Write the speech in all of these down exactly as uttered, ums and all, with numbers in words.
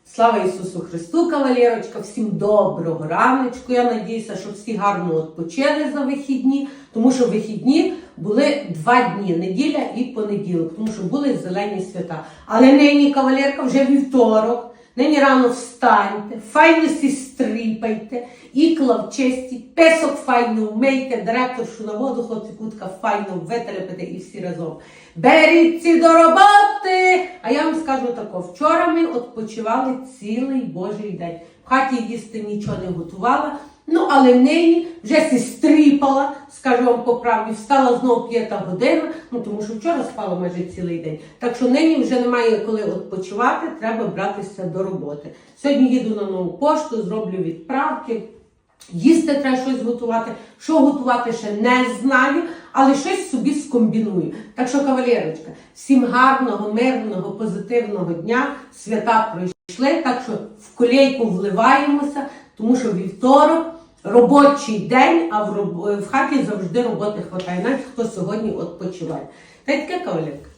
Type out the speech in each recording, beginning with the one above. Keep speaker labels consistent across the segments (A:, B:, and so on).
A: Слава Ісусу Христу, кавалерочка, всім доброго раночку. Я надіюся, що всі гарно відпочили за вихідні, тому що вихідні були два дні, неділя і понеділок, тому що були зелені свята. Але нині, кавалерка, вже вівторок, нині рано встаньте, файно сі стріпайте, ікла вчистіть, песок файно вмийте, директоршу на воду, хлопці кутка файно витерпите і всі разом. Беріться до роботи! А я вам скажу тако, вчора ми відпочивали цілий божий день. В хаті їсти нічого не готувала, ну але нині вже сі стріпала, скажу вам по правді, встала знову п'ята година, ну тому що вчора спала майже цілий день. Так що нині вже немає коли відпочивати, треба братися до роботи. Сьогодні їду на нову пошту, зроблю відправки. Їсти треба щось готувати. Що готувати ще не знаю, але щось собі скомбіную. Так що, кавалерочка, всім гарного, мирного, позитивного дня. Свята пройшли, так що в колейку вливаємося, тому що вівторок робочий день, а в, роб... в хаті завжди роботи хватає, навіть хто сьогодні відпочиває. Та й таке, кавалерка.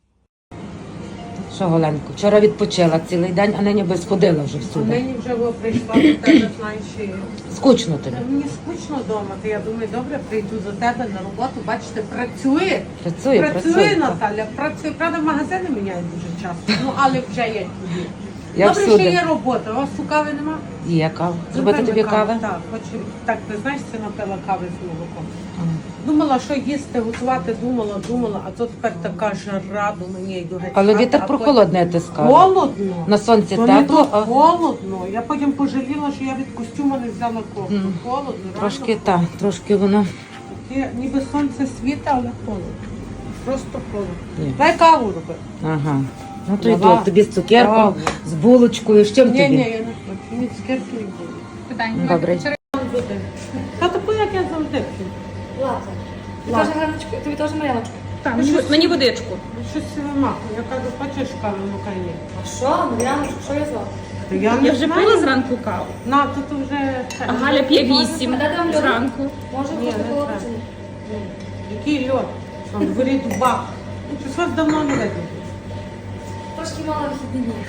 B: Що, Голенко, вчора відпочила цілий день, а нині би сходила вже всюди.
A: А нині вже прийшла до тебе, знаєш, і...
B: Скучно тобі?
A: Мені скучно вдома, то я думаю, добре, прийду за тебе на роботу, бачите, працює.
B: Працює,
A: Працює,
B: працює,
A: Наталя, працює. Правда, магазини міняють дуже часто, ну, але вже є тобі.
B: Я
A: Добре,
B: всюди.
A: що є робота, у вас у кави нема?
B: Є кава. Зробити тобі кави?
A: Так, хочу, так, ти знаєш, це напила кави з молоком. Думала, що їсти, готувати, думала, думала, а то тепер така жара, до мені йду геть.
B: Але
A: хати,
B: вітер
A: а
B: прохолодний, ти
A: потім-
B: скажеш.
A: Холодно.
B: На сонці
A: То не
B: тепло,
A: то
B: а
A: холодно. Я потім пожаліла, що я від костюма не взяла кофту.
B: Мгм.
A: Холодно,
B: трошки
A: реально
B: так, трошки воно.
A: Таке, ніби сонце світа, але холодно. Просто холодно.
B: Ні.
A: Дай каву роби.
B: Ага. Ну то
A: Давай.
B: йду, тобі з цукеркою,
A: Давай.
B: з булочкою, з чим
A: Ні, ні,
B: тобі?
A: я не хочу. Ні, цукерки не буду.
C: Питання.
B: Добре.
A: Та таку, як я завжди п'ю.
D: Лата. Ти теж Ганочку, тобі теж Мар'яночку.
C: Так, мені, мені водичку.
A: Щось вимахує. Я кажу, хочеш кави, ну хай є.
D: А що, Мар'яночку, що я звала?
A: То я не
C: Я вже
A: знаю.
C: пила зранку каву.
A: На, тут вже... це.
C: А Галя п'є вісім
D: А де там льод?
C: зранку.
D: Може,
A: Ні,
D: просто
A: не
D: колоти?
A: треба. Який льод? Що, в дворі дубак? Щось вас давно не видно.
D: Трошки мало вихідні дні.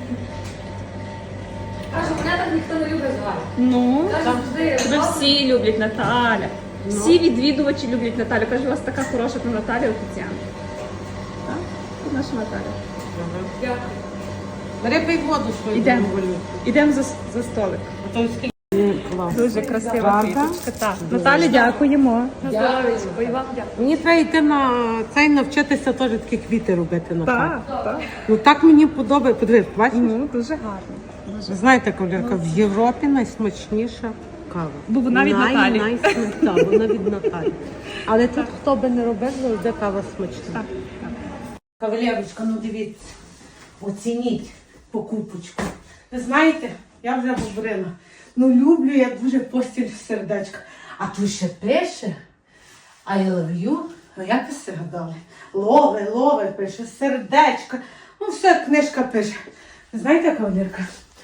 D: Каже, мене так ніхто не любить звати.
C: Ну,
D: Каже, завжди.
C: тебе всі люблять Наталя. Всі відвідувачі люблять Наталю. Кажу, у вас така хороша та Наталя офіціант. Так? Тут наша Наталя.
D: Дякую.
A: Бери пий воду свою
C: Ідемо.
A: валюту.
C: Ідемо за, за столик.
A: А то скільки клас.
C: Дуже красива
A: Правда?
C: квіточка. Так. Наталі, дякуємо.
D: На здоров'ячко. І вам дякую.
A: Мені треба йти на цей навчитися теж такі квіти робити на хаті.
C: Так, так.
A: Ну так мені подобається. Подивись, бачиш?
C: Ну, дуже гарно.
A: Ви знаєте, Кавалерка, в Європі найсмачніша кава.
C: Бо вона від Наталі.
A: Найсмачніша, так, вона від Наталі. Але тут хто би не робив, завжди кава смачна.
C: Так, так.
A: Кавалерочка, ну дивіться, оцініть покупочку. Ви знаєте, я вже говорила, ну люблю я дуже постіль в сердечко. А тут ще пише I love you. А як ви все гадали? Лове, лове, пише, сердечко. Ну все, книжка пише. Ви знаєте, кавалерка,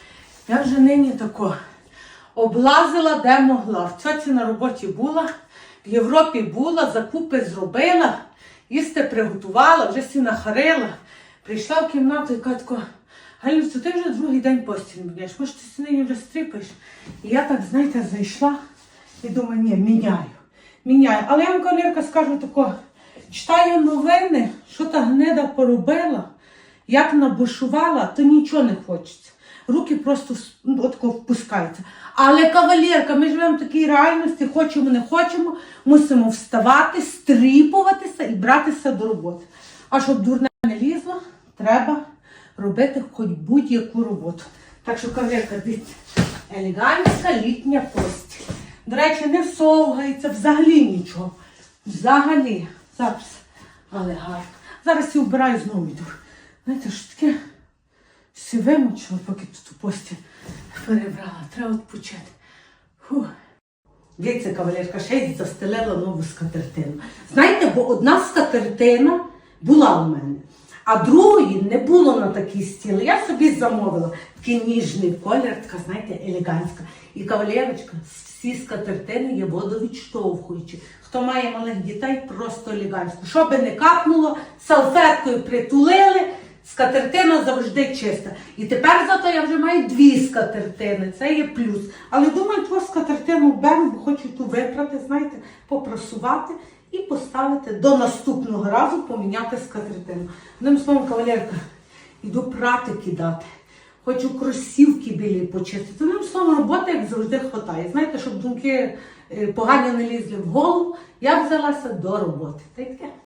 A: я вже нині тако облазила, де могла. В цьоці на роботі була, в Європі була, закупи зробила, їсти приготувала, вже всі нахарила. Прийшла в кімнату і кажу тако, Галюцю, ти вже другий день постіль міняєш, може ти нині вже стріпаєш? І я так, знаєте, зайшла і думаю, ні, міняю, міняю. Але я вам, кавалерка, скажу тако, читаю новини, що та гнида поробила, як набушувала, то нічого не хочеться. Руки просто ну, отако впускаються. Але, кавалерка, ми живемо в такій реальності, хочемо, не хочемо, мусимо вставати, стріпуватися і братися до роботи. А щоб дурне не лізло, треба робити хоч будь-яку роботу. Так що, кавалерка, дивіться, елегантська літня постіль. До речі, не совгається, взагалі нічого. Взагалі. Зараз. Але гарно. Зараз я вбираю, знову йду. Знаєте, що таке? Всі вимучила, поки тут у постіль перебрала. Треба відпочити. Фух. Дивіться, кавалерка, ще й застелила нову скатертину. Знаєте, бо одна скатертина була у мене, а другої не було на такій стіли. Я собі замовила такий ніжний колір, така, знаєте, елегантська. І кавалерочка, всі скатертини є водовідштовхуючі. Хто має малих дітей, просто елегантсько. Що би не капнуло, салфеткою притулили, Скатертина завжди чиста. І тепер зато я вже маю дві скатертини, це є плюс. Але думаю, ту скатертину беру, бо хочу ту випрати, знаєте, попрасувати і поставити до наступного разу поміняти скатертину. Одним словом, кавалерка, йду прати кидати. Хочу кросівки білі почистити. Одним словом, роботи, як завжди, хватає. Знаєте, щоб думки е, погані не лізли в голову, я взялася до роботи. Та й таке.